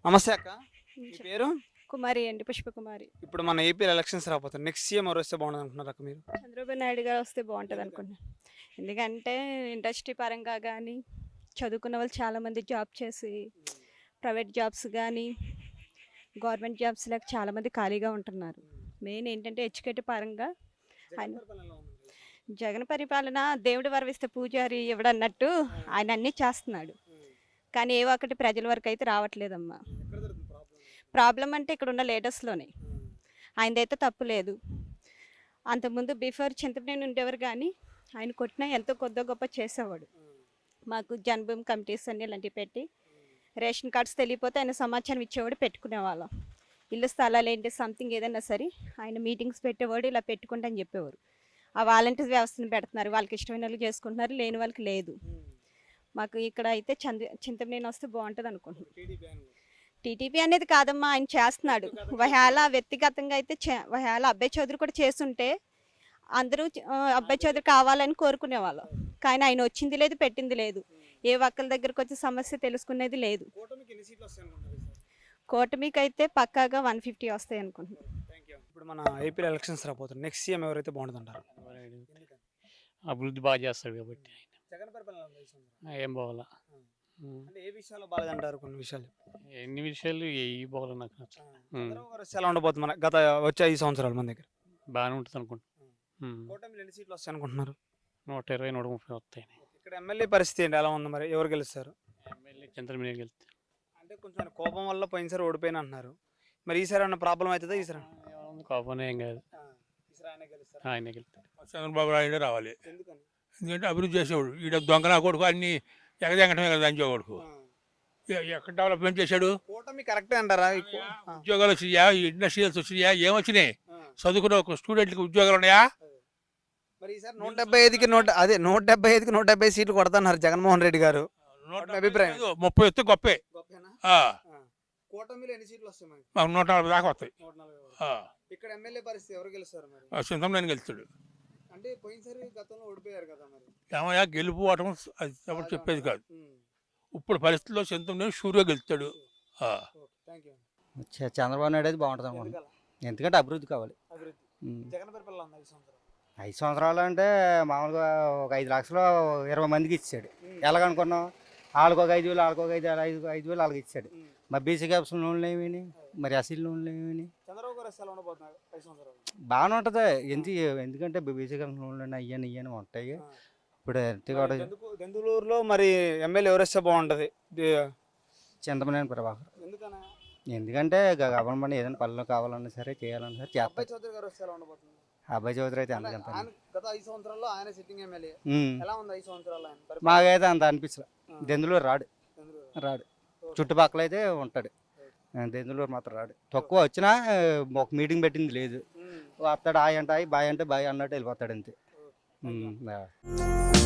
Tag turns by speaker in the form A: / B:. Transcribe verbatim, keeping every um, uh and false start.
A: నమస్తే అక్క, మీ
B: చెప్
A: పేరు?
B: కుమారి అండి, పుష్పకుమారి.
A: ఇప్పుడు మన ఏపీలో ఎలక్షన్స్ రాబోతుంది. నెక్స్ట్ సీఎం ఎవరు వస్తే బాగుంటుంది అనుకుంటున్నారు అక్క మీరు?
B: చంద్రబాబు నాయుడు గారు వస్తే బాగుంటుంది అనుకుంటున్నాను. ఎందుకంటే ఇండస్ట్రీ పరంగా కానీ చదువుకున్న వాళ్ళు చాలామంది జాబ్ చేసి ప్రైవేట్ జాబ్స్ కానీ గవర్నమెంట్ జాబ్స్ లేక చాలామంది ఖాళీగా ఉంటున్నారు. మెయిన్ ఏంటంటే ఎడ్యుకేటివ్ పరంగా ఆయన జగన్ పరిపాలన దేవుడి వరవిస్తే పూజారి ఇవ్వడన్నట్టు ఆయన అన్నీ చేస్తున్నాడు. కానీ ఏ ఒక్కటి ప్రజల వరకు అయితే రావట్లేదమ్మా. ప్రాబ్లం అంటే ఇక్కడ ఉన్న లీడర్స్లోనే ఆయనదైతే తప్పు లేదు. అంతకుముందు బిఫోర్ చింతపనేని ఉండేవారు కానీ ఆయన కొట్టినా ఎంతో కొద్ది గొప్ప చేసేవాడు. మాకు జన్మభూమి కమిటీస్ అన్ని ఇలాంటివి పెట్టి రేషన్ కార్డ్స్ తెలియపోతే ఆయన సమాచారం ఇచ్చేవాడు, పెట్టుకునేవాళ్ళం. ఇల్లు స్థలాలు ఏంటి సంథింగ్ ఏదైనా సరే ఆయన మీటింగ్స్ పెట్టేవాడు, ఇలా పెట్టుకుంటా అని చెప్పేవారు. ఆ వాలంటీర్స్ వ్యవస్థను పెడుతున్నారు, వాళ్ళకి ఇష్టమైన వాళ్ళు చేసుకుంటున్నారు, లేని వాళ్ళకి లేదు. మాకు ఇక్కడ అయితే చంద చింతపనేని వస్తే బాగుంటుంది అనుకుంటున్నాను. టీడీపీ అనేది కాదమ్మా, ఆయన చేస్తున్నాడు. ఒకవేళ వ్యక్తిగతంగా అయితే ఒకవేళ అబ్బాయి చౌదరి కూడా చేస్తుంటే అందరూ అబ్బాయి చౌదరి కావాలని కోరుకునేవాళ్ళం. కానీ ఆయన వచ్చింది లేదు, పెట్టింది లేదు. ఏ ఒక్కరి దగ్గరకు వచ్చి సమస్య తెలుసుకునేది లేదు. కూటమికి అయితే పక్కాగా వన్ ఫిఫ్టీ వస్తాయి అనుకుంటున్నాను.
A: ఇప్పుడు మన ఏపీలో ఎలక్షన్స్ రాబోతుంది. నెక్స్ట్ సీఎం ఎవరైతే బాగుంటుంది అంటారు?
C: అభివృద్ధి బాగా చేస్తాడు కాబట్టి
A: జగన్ పరిపాలన
C: ఏం బాగాల.
A: అంటే ఏ విషయాల్లో బాగాలేదంటారు? కొన్ని విషయాలు,
C: ఎన్ని విషయాలు ఏ బాగాల నాకు నచ్చ
A: చంద్రబాబు గారు వస్తే ఎలా ఉండబోతుంది మన గత వచ్చే ఐదు సంవత్సరాలు మన దగ్గర?
C: బాగానే ఉంటుంది అనుకుంటా.
A: కూటమిలో ఎన్ని సీట్లు వస్తాయి అనుకుంటున్నారు?
C: నూట ఇరవై నూట ముప్పై వస్తాయి.
A: ఇక్కడ ఎమ్మెల్యే పరిస్థితి ఏంటి, ఎలా ఉంది మరి? ఎవరు గెలుస్తారు?
C: ఎమ్మెల్యే చంద్రబాబు గెలుస్తారు.
A: అంటే కొంచెం ఆయన కోపం వల్ల పోయినసారి ఓడిపోయిన అంటున్నారు. మరి ఈసారి ఏమన్నా ప్రాబ్లం అవుతుందా? ఈసారి
C: కోపం ఏం కాదు, ఆయనే గెలుస్తాడు.
D: చంద్రబాబు నాయుడు రావాలి.
A: ఎందుకని?
D: ఎందుకంటే అభివృద్ధి చేసేవాడు. ఈడ దొంగన కొడుకు అన్ని ఎగదెంగటమే కదా దంచే కొడుకు. ఎక్కడ డెవలప్మెంట్ చేశాడు?
A: కూటమి కరెక్టే అంటారా?
D: ఉద్యోగాలు వచ్చినాయా? ఇండస్ట్రియల్స్ వచ్చినాయా? ఏమొచ్చినాయి? చదువుకున్న ఒక స్టూడెంట్కి ఉద్యోగాలు ఉన్నాయా?
A: మరి ఈసారి నూట డెబ్బై ఐదుకి నూట అదే నూట డెబ్బై ఐదుకి నూట డెబ్బై సీట్లు కొడతాన్నారు జగన్మోహన్ రెడ్డి గారు. అభిప్రాయం
D: ముప్పై వస్తే గొప్పే.
A: కూటమిలో ఎన్ని సీట్లు వస్తాయి?
D: మాకు నూట నలభై దాకా వస్తాయి.
A: ఇక్కడ ఎమ్మెల్యే పరిస్థితి ఎవరు గెలుస్తారు మరి?
D: చింతమనేని గెలుస్తాడు.
A: అంటే పోయినసారి గతంలో ఓడిపోయారు కదా మరి.
D: ఏమయ్యా గెలుపు ఓటం అది ఎవరు చెప్పేది కాదు. ఇప్పుడు పరిస్థితుల్లో చింతమనేని షూర్గా గెలుస్తాడు.
E: చంద్రబాబు నాయుడు అయితే బాగుంటుంది అనుకుంటున్నాను. ఎందుకంటే అభివృద్ధి కావాలి.
A: జగన్ పరిపాలన ఉంది ఐదు సంవత్సరాలు.
E: ఐదు సంవత్సరాలు అంటే మామూలుగా ఒక ఐదు లక్షలు ఇరవై మందికి ఇచ్చాడు. ఎలాగనుకున్నాం? వాళ్ళకి ఒక ఐదు వేలు వాళ్ళకి ఒక ఐదు ఐదు ఐదు వేలు వాళ్ళకి ఇచ్చాడు. మరి బీసీ క్యాప్స్ లోన్లు ఏమని, మరి అసలు లోన్లు ఏమని బాగానే ఉంటుంది. ఎందుకు ఎందుకంటే బీసీ క్యాప్స్ లోన్లు అయ్యని ఇయ్యని ఉంటాయి. ఇప్పుడు
A: దెందులూరులో మరి ఎమ్మెల్యే ఎవరు వస్తే బాగుంటుంది?
E: చింతమనేని ప్రభాకర్. ఎందుకంటే గవర్నమెంట్ ఏదైనా పనులు కావాలన్నా సరే చేయాలన్నా సరే చేస్తారు. అబ్బాయి చౌదరి అయితే అందుకంత మాకైతే అంత అనిపించలే. దెందులూరు రాడు రాడు చుట్టుపక్కల అయితే ఉంటాడు. దెందులూరు మాత్రం రాడు. తక్కువ వచ్చినా ఒక మీటింగ్ పెట్టింది లేదు. వస్తాడు, ఆయ అంటే ఆయి బాయ్ అంటే బాయ్ అన్నట్టు వెళ్ళిపోతాడు అంతే.